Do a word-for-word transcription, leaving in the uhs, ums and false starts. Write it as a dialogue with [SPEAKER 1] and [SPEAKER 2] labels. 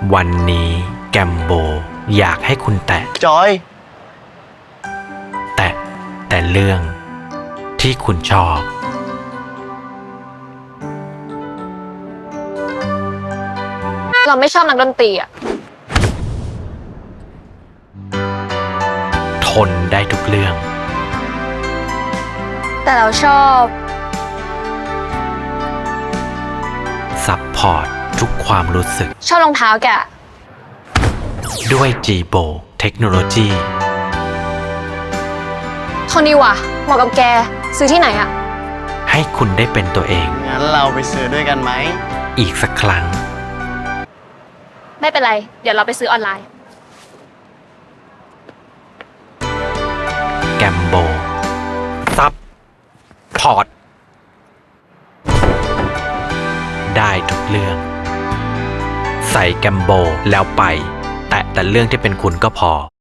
[SPEAKER 1] วันนี้แกมโบอยากให้คุณแตะ
[SPEAKER 2] จอย
[SPEAKER 1] แตะแต่เรื่องที่คุณชอบ
[SPEAKER 3] เราไม่ชอบนักดนตรีอะ
[SPEAKER 1] ทนได้ทุกเรื่อง
[SPEAKER 3] แต่เราชอบ
[SPEAKER 1] ซัพพอร์ตทุกความรู้สึก
[SPEAKER 3] ชอบรองเท้าแกอะ
[SPEAKER 1] ด้วย จี โบ เทคโนโลยี
[SPEAKER 3] โทนี่ว่ะเหมาะกับแกซื้อที่ไหนอะ
[SPEAKER 1] ให้คุณได้เป็นตัวเอง
[SPEAKER 2] งั้นเราไปซื้อด้วยกันไหม
[SPEAKER 1] อีกสักครั้ง
[SPEAKER 3] ไม่เป็นไร เดี๋ยวเราไปซื้อออนไลน์
[SPEAKER 1] แกมโบ ซัพพอร์ต ได้ทุกเรื่อง ใส่แกมโบแล้วไป แต่แต่เรื่องที่เป็นคุณก็พอ